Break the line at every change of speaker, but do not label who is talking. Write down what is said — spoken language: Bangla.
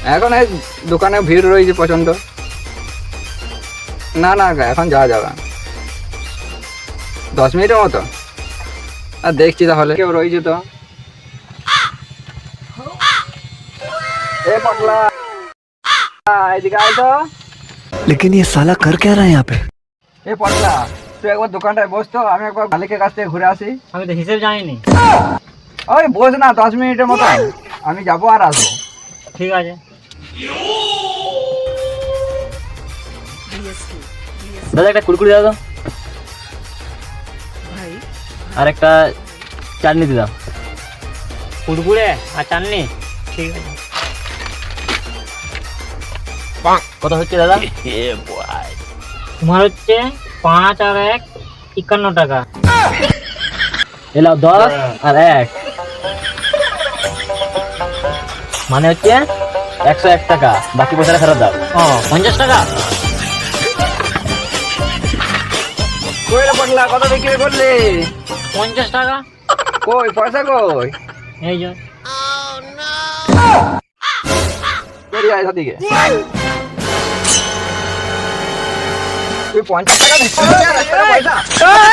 এখন এই দোকানে ভিড় রয়েছে প্রচন্ড। না না এখন যাওয়া যাবে 10 মিনিটের মতো। আর দেখছি তাহলে কেউ রয়েছে তো। এ পটলা এদিকে আয় তো।
लेकिन ये साला कर क्या रहा है यहाँ पे?
এ পটলা তুই একবার দোকানটায় বস তো, আমি একবার মালিকের কাছ থেকে ঘুরে আসি।
আমি তো হিসেব জানিনি।
ওই বস না 10 মিনিটের মতো, আমি যাবো আর আসবো।
ঠিক আছে। দাদা একটা কুরকুরি দাও তো, আর একটা চাটনি দিলাম। কুরকুরে আর চাটনি, ঠিক আছে। কত হচ্ছে দাদা? তোমার হচ্ছে 5 আর 1 51 টাকা। এলাও 10 আর 1 মানে হচ্ছে 101 টাকা। বাকি পয়সাটা ফেরত দাও। ও 50 টাকা।
কই রে পটলা কত বিক্রি করলি?
50 টাকা।
কই পয়সা কই?
এই যে
বেরিয়ে আয় সাদিকে। তুই 50 টাকা দিচ্ছিস না পয়সা?